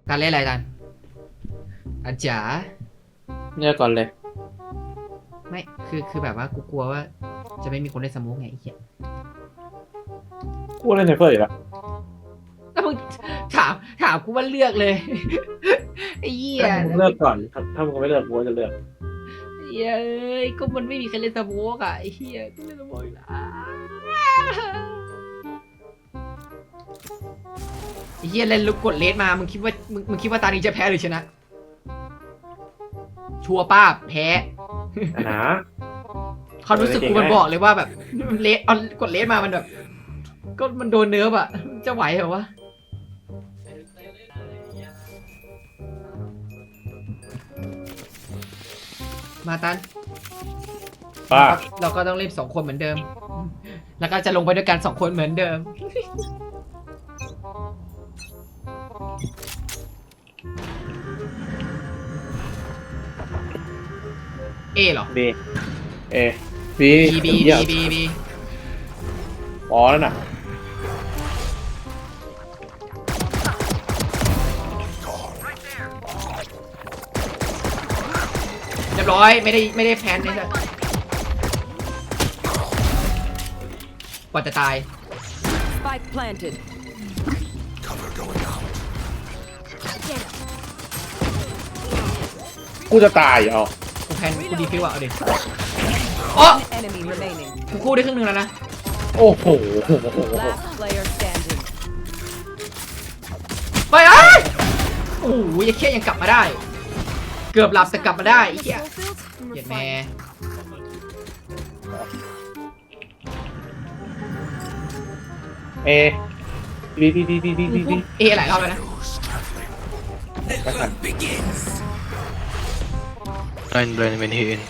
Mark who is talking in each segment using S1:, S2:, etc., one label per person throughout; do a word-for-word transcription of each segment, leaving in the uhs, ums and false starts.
S1: ตันเล่นอะไรตันตันจ๋า
S2: เนี่ยก่อนเลย
S1: ไม่คือคือแบบว่ากูกลัวว่าจะไม่มีคนเล่นสโมุกไงไอ้เหี้ย
S2: กูเล่นไซเฟอร์อยู่แล้ว
S1: แล้วมึงถามถามกูว่าเลือกเลยไอ้เหี้ย
S2: ถ้ามึงเลือกก่อนถ้ามึงไม่เลือกกูจะเลือก
S1: ไอ้เหี้ยเอ้ยก็มันไม่มีใครเล่นสโมุกอ่ะไอ้เหี้ยก็เล่นสโมุกอยู่แล้วไอ้เหี้ยเล่นลูกกดเลสมามึงคิดว่ามึงมึงคิดว่าตานี้จะแพ้หรือชนะ ชัวร์ป้าบแพ้
S2: นะ
S1: ความรู้สึกกูมันบอกเลยว่าแบบเลสเอากดเลสมามันแบบ ก็มันโดนเนื้ออะจะไหวเหรอวะมาตัน
S2: ป้า
S1: เราก็ต้องเล่นสองคนเหมือนเดิม แล้วก็จะลงไปด้วยกันสองคนเหมือนเดิม เอเหรอ
S2: บีเอบี
S1: บีบีบีบีบี
S2: อ๋อนั่นน่ะ
S1: เรียบร้อยไม่ได้ไม่ได้แพนเลยสัสกว่าจะตาย
S3: Spike planted.
S2: กูจะตายเอา
S1: กูแพนกูดีฟิวอ่ะเอาดิโอ้
S3: Enemy remaining.
S1: กูคู่ได้ครึ่งหนึงแล้วนะ
S2: โอ้โห
S3: Last player standing.
S1: ไปไอ้ยโอ้โหยังเคี้ยยังกลับมาได้ เกือบหลับแต่กลับมาได้ไอ้เหี้ยเหี้ยแม่
S2: เอบีบีบีบีบีบีบี
S1: เอหลายรอบแล้วนะ
S4: Blind blind when he in.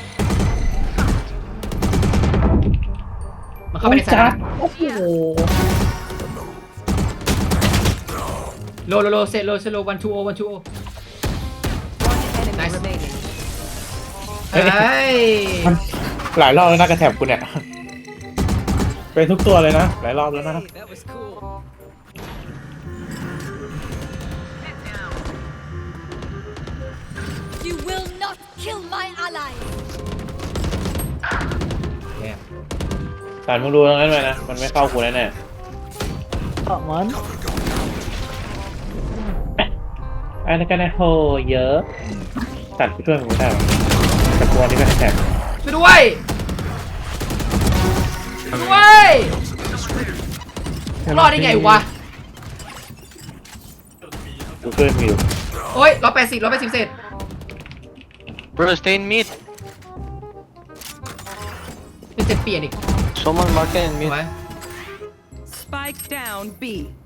S1: มันเข้าไปในสนาม
S2: โอ้โห
S1: โลโลโลเซโลเซโลวันทูโอวันทูโอ
S3: One enemy
S1: Nice.
S3: remaining.
S1: เฮ้ย
S2: หลายรอบแล้วนะกระแถบกูเนี่ยเป็นทุกตัวเลยนะหลายรอบแล้วนะ
S3: That was cool.
S5: You will not kill my ally.
S2: สารมึงดูตรงนั้นไปนะมันไม่เข้ากูแน่แน่
S6: มัน
S2: ๆอันนั้นก็นะโหเยอะตัดไปช่วยมึงไม่ได้หรอกแต่ตัวนี้ก็แถบ
S1: ช่วยด้วยช่วยด้วยรอดได้ไงวะ
S2: กูช่วยมึงอยู่
S1: โอ้ยร้อยแปดสิบร้อยแปดสิบเศษ
S4: Bro, stay in mid.
S1: มันจะเปลี่ยนอีก
S4: Someone mark it in
S1: ถูก
S4: mid.
S1: ไหม
S3: Spike down B.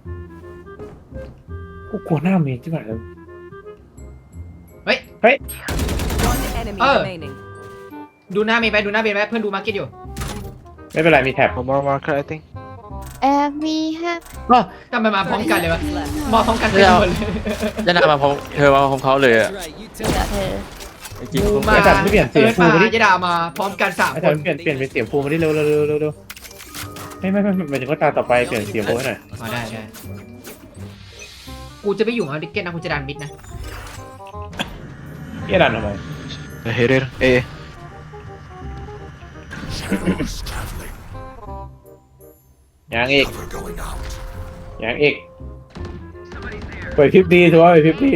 S2: กูกลัวหน้าเมย์ที่ไหนเลย
S1: เฮ้ย
S2: เฮ้ย
S3: One enemy
S1: Oh.
S3: remaining.
S1: ดูหน้าเมย์ไปดูหน้าเมย์ไปเพื่อนดูมาร์เก็ตอยู่
S2: ไม่เป็นไรมีแท็บ
S4: One more marker, I think.
S6: and we have
S1: ทำไมมาพร้อมกันเลยวะ
S3: Left.
S1: มาพร้อมกันเต็มหมดเลย
S4: จะน่ามาพร้อมเธอมาพร้อมเขาเลยอะ
S6: เธอ
S4: จริง
S1: กู
S4: ๆ
S1: มา
S2: ไอ้สัตว์ไม่เปลี่ยนเสียง
S1: อิร์ธ
S2: กู
S1: มา
S2: ไม่ได้
S1: ยดามาพร้อมกันสาม
S2: ไอ้
S1: ค
S2: แท็บ
S1: น
S2: เปลี่ยนเปลี่ยนเป็นเสียงภูมิมาดิเร็วเร็วเร็วเร็วเร็วไม่ไม่ไม่หมายถึงว่าตาต่อไปเปลี่ยนเสียงภูมิให้หน่อย
S1: มาได้ได้กูจะไม่อยู่กับดิกเก็ตนะกูจะดันมิดนะ
S2: เฮียดันทำไม
S4: The hitter. A.
S2: ยังอีกยังอีกไปพริบดีถือว่าไปพริบดี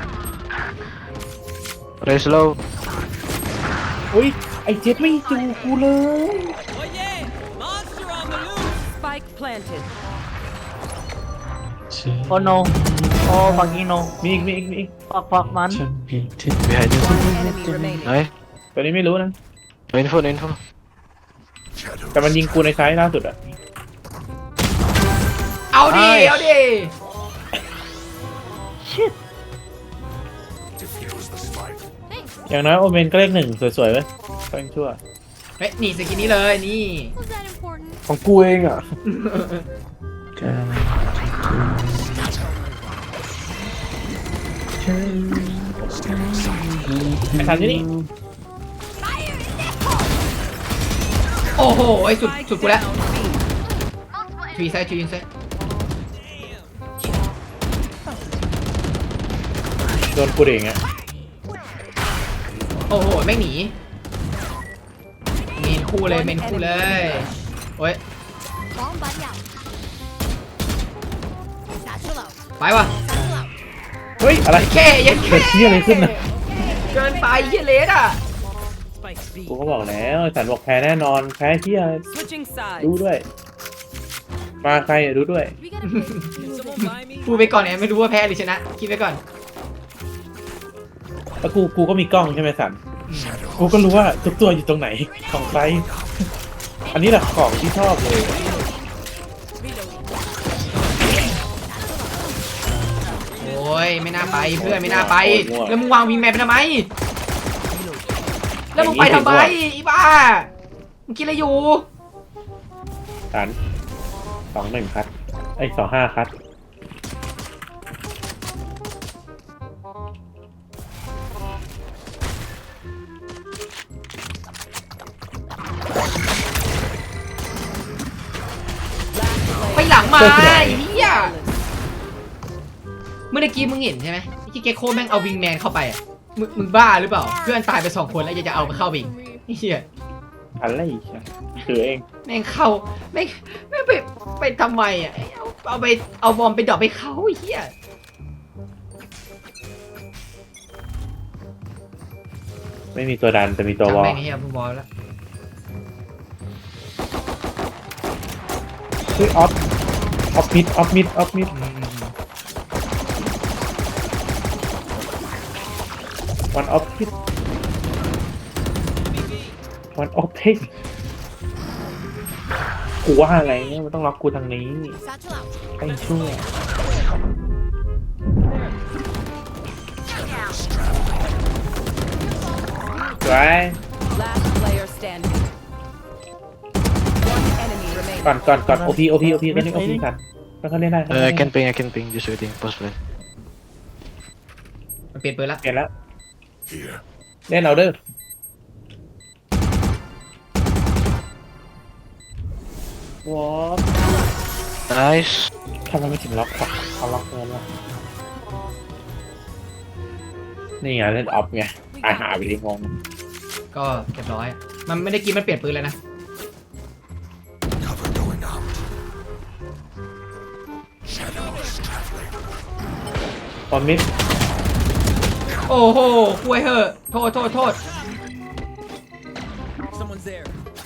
S4: Raise low.
S2: อุ้ยไอ้เจ็ดไม่จูกูเลย
S3: Spike planted.
S6: โอโนโอ้ฟังกี้โน
S2: มีอีกมีอีกมีอีก
S6: ฟักฟักมัน
S4: Behind you.
S3: One enemy remaining.
S4: Nice.
S2: ตัวนี้ไม่รู้นะ
S4: No info, no info.
S2: แต่มันยิงกูในไซส์ล่าสุดอะ
S1: เอาดิเอาดิ
S2: อย่างน้อยโอเมนก็เลขหนึ่งสวยๆไว้ก็ยังชั่ว
S1: เฮ้ยนี่สกินนี้เลยนี่
S5: Was that important?
S2: ของกูเองอ่ะไอ้ทันที่นี่
S1: โอ้โหไอ้สุดสุดกูแล้ว
S3: Down B.
S1: ทวีไซด์ทวีไซด์
S2: โดนกูเองอะ
S1: โอ้โหไม่งหนีเมนคู่เลยเมนคู่เลยโอ้ย
S5: Bomb buddy out. Satchel out.
S1: ไปว่ะ
S5: Satchel out.
S2: เฮ้ยอะไร
S1: แค่ยัง
S2: เกิ
S1: แค่
S2: ดเที่ยอะไรขึ้นนะ
S1: เกินไปเฮียเลสอ่ะ
S3: Spike B.
S2: กูก็บอกแล้วไอ้สันบอกแพ้แน่นอนแพ้เที่ย
S3: Switching sides.
S2: ดูด้วย มาใครอะดูด้วย
S5: We gotta play.
S1: พูดไปก่อนเนี่ยไม่รู้ว่าแพ้หรือชนะคิดไปก่อน
S2: แล้วกูกูก็มีกล้องใช่ไหมสันกูก็รู้ว่าทุกตัวอยู่ตรงไหนของใครอันนี้แหละของที่ชอบเลย
S1: โอ้ยไม่น่าไปเพื่อนไม่น่าไป แล้วมึงวางวิงแมนไปทำไม แล้วมึงไปทำไมอีบ้ามึงคิดอะไรอยู่
S2: สันสองหนึ่งคัดไอ้สองห้าคัด
S1: ไปหลังมาไอ้เหี้ยเมื่อกี้มึงเห็นใช่ไหมที่เกคโคแม่งเอาวิงแมนเข้าไปอ่ะมึงมึงบ้าหรือเปล่าเพื่อนตายไปสองคนแล้วยังจะเอามาเข้าไปอีกไอ้เหี้ย
S2: อะไรอีกอะคือเอง
S1: แม่งเข้าแม่งแม่งไปไปทำไมอ่ะเอาเอาไปเอาบอมไปดรอปไปเขาไอ้เหี้ย
S2: ไม่มีตัวดันแต่มีตัววอล
S1: แม่งไอ้เหี้ยมึงบอลแล้ว
S2: คือออฟออฟมิดออฟมิดออฟมิดวันออฟมิดวันออฟเทคกูว่าอะไรเนี่ยมันต้องล็อกกูทางนี้
S5: Satchel out.
S2: ไอ้ชั่วไว้
S3: Last player standing. One enemy
S2: ก่อน
S3: remaining.
S2: ก่อนก่อนโอพีโอพีโอพีก็เล่นโอพีกันแล้วก็เล่นได้
S4: Uh, I can ping, I can ping. Just waiting. Post plan.
S1: มันเปลี่ยนปืนละ
S2: เปลี่ยนแล้วเล่นเอาเด้อวอล
S4: Nice.
S2: ทำไมไม่ถึงล็อกวะเขาล็อกเงินวะนี่ไงเล่นออฟไงตายหาไปทีงง
S1: ก็เรียบร้อยมันไม่ได้กินมันเปลี่ยนปืนแล้วนะ
S2: ตอนมิด
S1: โอ้โหคุยเหอะโทษโทษโทษ
S7: Someone's there.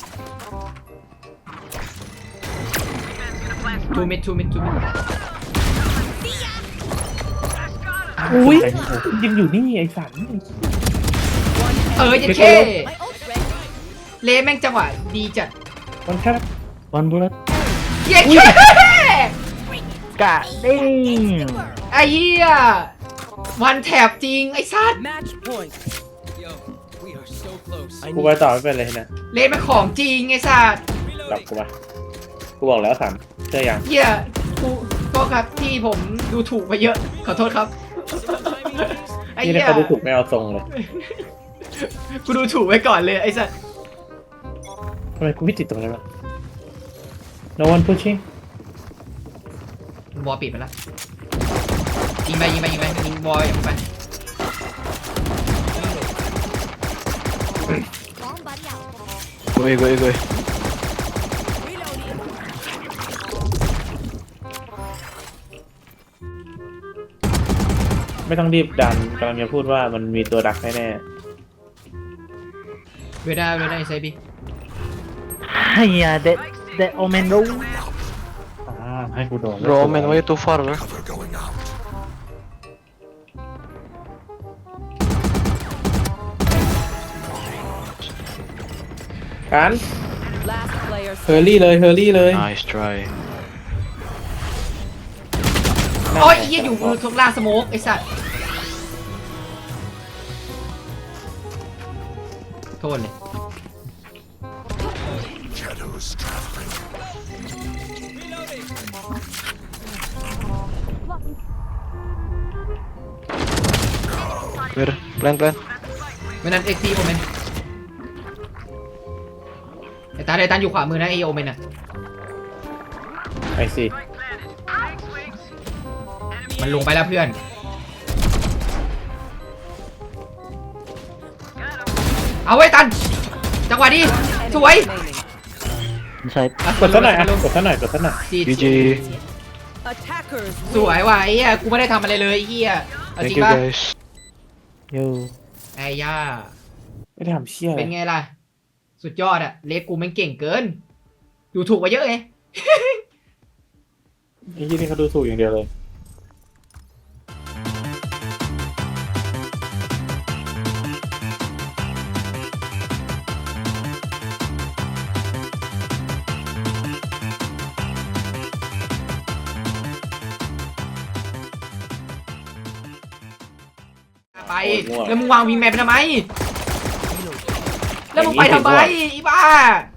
S1: ทูมิดทูมิดทูมิด
S2: อุ้ยยังอยู่นี่ไอ้สัน
S1: เออยังเค
S5: My ult's ready.
S1: เลแม่งจังหวะดีจัด
S2: มันแค่
S4: One bullet.
S1: เย้เค
S6: กะดิ้ง
S1: ไอ้เหี้ยวันแถบจริงไอ้สัตว์
S3: Match point.
S7: Yo, we are so close.
S2: กูไปต่อไม่เป็นเลยนะ
S1: เลแม่งของจริงไอ้สัตว์
S2: จับกูมากูบอกแล้วสันเชื่อยัง
S1: เหี้ยกูก็ครับที่ผมดูถูกไปเยอะขอโทษครับไอ้
S2: นี่
S1: เหี้
S2: ถ้าย เขาดูถูกไม่เอาทรงเลย
S1: กูดูถูกไว้ก่อนเลยไอ้สัตว์
S2: ทำไมกูไม่ติดตรงนั้นวะ no one pushing
S1: บอลปิดไปแล้วยิงไปยิงไปยิงไปยิงบอลอย่างไป
S5: Bomb buddy out.
S4: Go away, go away, go away.
S5: Reloading.
S2: ไม่ต้องรีบดันกำลังจะพูดว่ามันมีตัวดักแน่
S1: เวด้าเวด้าไอไซบี
S6: ไอ้เหี้ยเด็ดเด็ดโอเมนรู้
S2: ๆอ่าให้กูโดน
S4: Bro, man, why you too far, bro?
S2: กัน
S3: Last player
S2: เฮอร์รี่เลยเฮอร์รี่เลย
S4: Nice try.
S1: โอ้ยไอ้เหี้ยอยู่ทุกล่างสโมกไอ้สัตว์โทษเลย
S4: Where? Plan, plan.
S1: ไม่นั้นเอ็กซ์ซีโอเมนไอ้ตาไอ้ตาอยู่ขวามือนะไอโอเมนอ่ะ
S2: ไอซี
S1: มันลงไปแล้วเพื่อนเอาไว้ตัน จังหวะดี สวย
S3: Remaining.
S6: Inside.
S2: กดซะหน่อยอ่ะกดซะหน่อยกดซะหน่อย
S1: จี
S4: จีจี
S3: Attackers
S1: สวยว่ะไอ้เหี้ยกูไม่ได้ทำอะไรเลยไอ้เหี้ยเอาจ
S4: thank
S1: ริง
S4: you
S1: ป่ะ
S4: guys
S6: Yo.
S1: ไอ้ย่า
S2: ไม่ได้ทำเชี่ยอะไร
S1: เป็นไงล่ะ สุดยอดอะเลสกูแม่งเก่งเกิน ดูถูกมาเยอะไง
S2: ไอ้ที่นี่เขาดูถูกอย่างเดียวเลย
S1: ไป แล้วมึงวางวิงแมนไปทำไม แล้วมึงไปทำไมอีบ้า